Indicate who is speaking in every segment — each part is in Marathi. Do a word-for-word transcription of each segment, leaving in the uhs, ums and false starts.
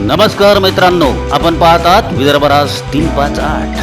Speaker 1: नमस्कार मित्रांनो, आपण पाहतात विदर्भराज तीन पाच आठ.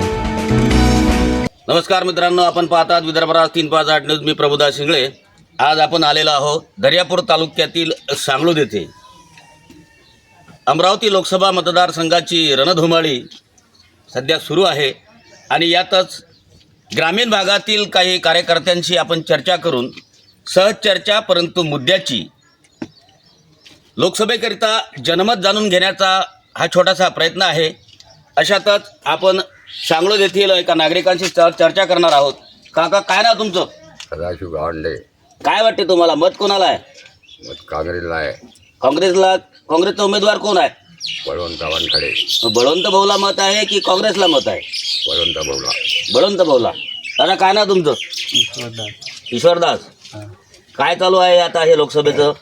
Speaker 1: नमस्कार मित्रांनो, आपण पाहतात विदर्भराज तीन पाच आठ न्यूज. मी प्रभुदास शिंगळे. आज आपण आलेलो आहोत दर्यापूर तालुक्यातील सांगलोद येथे. अमरावती लोकसभा मतदारसंघाची रणधुमाळी सध्या सुरू आहे आणि यातच ग्रामीण भागातील काही कार्यकर्त्यांशी आपण चर्चा करून सहज चर्चा परंतु मुद्द्याची लोकसभेकरिता जनमत जाणून घेण्याचा हा छोटासा प्रयत्न आहे. अशातच आपण सांगलोद येथील एका नागरिकांशी चर्चा करणार आहोत. काका, काय ना तुमचं?
Speaker 2: सदाशिव गावंडे.
Speaker 1: काय वाटते तुम्हाला, मत कोणाला आहे?
Speaker 2: मत काँग्रेसला आहे.
Speaker 1: काँग्रेसला. काँग्रेसचा उमेदवार कोण आहे?
Speaker 2: बळवंत वानखडे.
Speaker 1: बळवंत भाऊला मत आहे की काँग्रेसला मत आहे?
Speaker 2: बळवंत भाऊला.
Speaker 1: बळवंत भाऊला. दादा, काय ना तुमचं? ईश्वरदास. काय चालू आहे आता हे लोकसभेचं?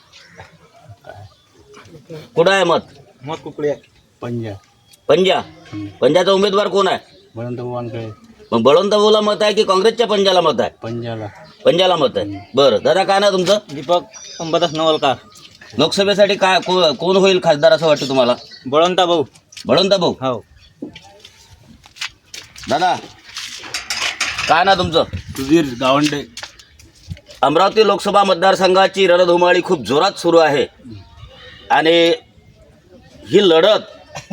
Speaker 1: कुठं आहे मत?
Speaker 3: मत कुकडे पंजा
Speaker 1: पंजा. पंजाचा उमेदवार कोण आहे?
Speaker 3: बळवंत वानखडे.
Speaker 1: मग बळवंत भाऊला मत आहे की काँग्रेसच्या पंजाला मत आहे?
Speaker 3: पंजाला.
Speaker 1: पंजाला मत आहे. बरं दादा, काय ना तुमचं?
Speaker 3: दीपक अंबादास नवलकार.
Speaker 1: लोकसभेसाठी काय को- कोण होईल खासदार असं वाटतं तुम्हाला?
Speaker 3: बळवंत भाऊ.
Speaker 1: बळवंत भाऊ.
Speaker 3: हो.
Speaker 1: दादा, काय ना तुमचं?
Speaker 3: सुधीर गावंडे.
Speaker 1: अमरावती लोकसभा मतदारसंघाची रणधुमाळी खूप जोरात सुरू आहे आणि ही लढत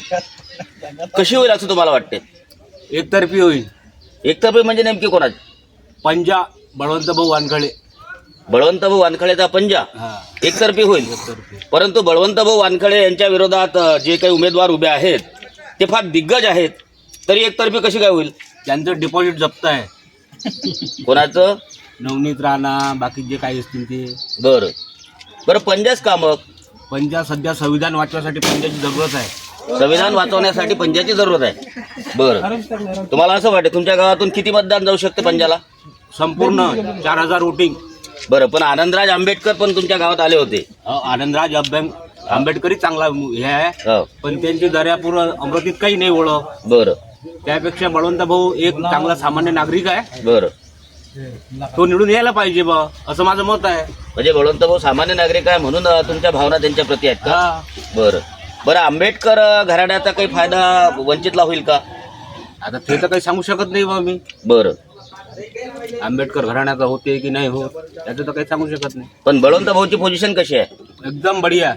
Speaker 1: कशी होईल असं तुम्हाला वाटते?
Speaker 3: एकतर्फी होईल.
Speaker 1: एकतर्फी म्हणजे नेमकी कोणाची?
Speaker 3: पंजा बळवंत भाऊ वानखडे.
Speaker 1: बळवंत भाऊ वानखडेचा पंजा
Speaker 3: हा.
Speaker 1: एकतर्फी होईल.
Speaker 3: एकतर्फी.
Speaker 1: परंतु बळवंत भाऊ वानखडे यांच्या विरोधात अ, जे काही उमेदवार उभे आहेत ते फार दिग्गज आहेत, तरी एकतर्फी कशी काय होईल?
Speaker 3: त्यांचं डिपॉझिट जप्त आहे.
Speaker 1: कोणाचं?
Speaker 3: नवनीत राणा, बाकी जे काही असतील ते.
Speaker 1: बरं बरं पंजाच का मग?
Speaker 3: पंजा सध्या संविधान वाचवायसाठी पंजाची जरूरत आहे.
Speaker 1: संविधान वाचवण्यासाठी पंजाची जरूरत आहे. बरं, तुम्हाला असं वाटतं तुमच्या गावातून किती मतदान जाऊ शकते पंजाला?
Speaker 3: संपूर्ण चार हजार वोटिंग.
Speaker 1: बरं, पण आनंदराज आंबेडकर पण तुमच्या गावात आले होते.
Speaker 3: अ, आनंदराज अभ्यंग आंबेडकरी चांगला हे आहे,
Speaker 1: हो.
Speaker 3: पण त्यांची दर्यापूर अमरावतीत काही नाही ओळख.
Speaker 1: बरं
Speaker 3: त्यापेक्षा बळवंत भाऊ एक चांगला सामान्य नागरिक आहे,
Speaker 1: बरं.
Speaker 3: तो निवडून यायला पाहिजे बा, असं माझं मत आहे.
Speaker 1: म्हणजे बळवंत भाऊ सामान्य नागरिक आहे म्हणून अ, तुमच्या भावना त्यांच्या प्रती आहेत का?
Speaker 3: हा.
Speaker 1: बरं बरं. आंबेडकर अ, घराण्याचा काही फायदा वंचितला होईल का?
Speaker 3: आता ते तर काही सांगू शकत नाही बा मी.
Speaker 1: बरं.
Speaker 3: आंबेडकर घराण्याचा होते की नाही होत त्याचं तर काही सांगू शकत नाही.
Speaker 1: पण बळवंत भाऊची पोझिशन कशी आहे?
Speaker 3: एकदम बढिया.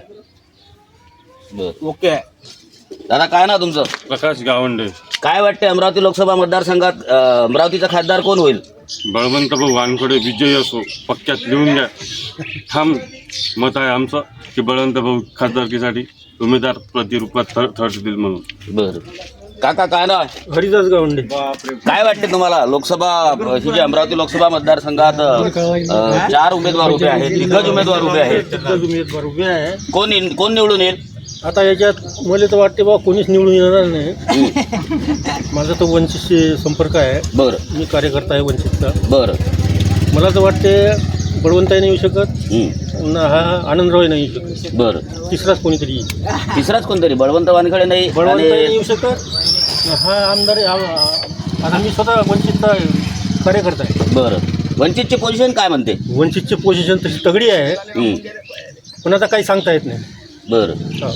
Speaker 1: बरं.
Speaker 3: ओके आहे.
Speaker 1: दादा, काय ना तुमचं?
Speaker 4: प्रकाश गावंडे.
Speaker 1: काय वाटते अमरावती लोकसभा मतदारसंघात अ, अमरावतीचा खासदार कोण होईल?
Speaker 4: बळवंत भाऊ वानखडे विजयी असो, पक्क्यात लिहून द्या. ठाम मत आहे आमचं की बळवंत भाऊ खासदारकीसाठी उमेदवार प्रतिरूपात ठर ठरतील म्हणून.
Speaker 1: बरं. काका, काय ना?
Speaker 3: हरिदास गावंडे.
Speaker 1: काय वाटते तुम्हाला लोकसभा ही जी अमरावती लोकसभा मतदारसंघात अ, चार उमेदवार उभे आहेत, दिग्गज उमेदवार उभे आहेत,
Speaker 3: उमेदवार उभे आहे.
Speaker 1: कोण इन- कोण निवडून येईल?
Speaker 3: आता याच्यात मला तर वाटते बा कोणीच निवडून येणार नाही. माझा तो वंचितशी संपर्क आहे.
Speaker 1: बरं
Speaker 3: मी कार्यकर्ता आहे वंचितचा.
Speaker 1: बरं.
Speaker 3: मला तर वाटते बळवंतही नाही येऊ शकत,
Speaker 1: हं.
Speaker 3: न हा आनंदरावही नाही येऊ शकत.
Speaker 1: बरं.
Speaker 3: तिसराच कोणीतरी येईल.
Speaker 1: तिसराच कोणतरी? बळवंत वानखडे नाही
Speaker 3: बळवंतही नाही
Speaker 1: आणि
Speaker 3: येऊ शकत. हा आमदार हा- आता मी स्वतः वंचितचा कार्यकर्ता आहे.
Speaker 1: बरं. वंचितची पोझिशन काय म्हणते?
Speaker 3: वंचितची पोझिशन तशी तगडी आहे,
Speaker 1: हं.
Speaker 3: पण आता काही सांगता येत नाही.
Speaker 1: बरं.
Speaker 3: हा.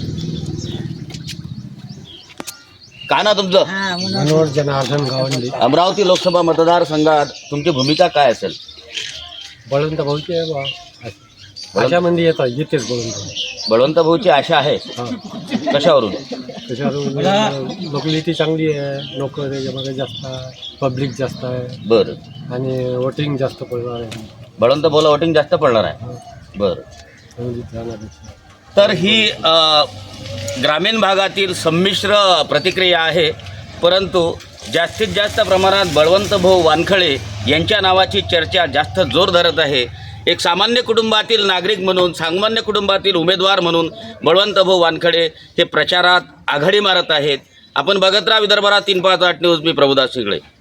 Speaker 1: काय ना तुमचं?
Speaker 3: मनोहर जनार्दन गावंडे.
Speaker 1: अमरावती लोकसभा मतदारसंघात तुमची भूमिका काय असेल?
Speaker 3: बळवंत भाऊची आहे बा. अशामध्ये येतात येतेच बळवंत.
Speaker 1: बळवंत भाऊची आशा आहे.
Speaker 3: हा.
Speaker 1: कशावरून?
Speaker 3: त्याच्यावर लोकलिटी चांगली आहे, लोक त्याच्यामध्ये जास्त आहे, पब्लिक जास्त आहे
Speaker 1: बरं.
Speaker 3: आणि वोटिंग जास्त पडणार आहे.
Speaker 1: बळवंत भाऊला वोटिंग जास्त पडणार आहे. बरं.
Speaker 3: संगीत राहण्यापेक्षा.
Speaker 1: तर ही अ, ग्रामीण भागातील संमिश्र प्रतिक्रिया आहे, परंतु जास्तीत जास्त प्रमाणात बळवंत भाऊ वानखडे यांच्या नावाची चर्चा जास्त जोर धरत आहे. एक सामान्य कुटुंबातील नागरिक म्हणून, सामान्य कुटुंबातील उमेदवार म्हणून बळवंत भाऊ वानखडे हे प्रचारात आघाडी मारत आहेत. आपण बघत राहा विदर्भराज तीन पाच आठ न्यूज. मी प्रभुदास शिंगळे.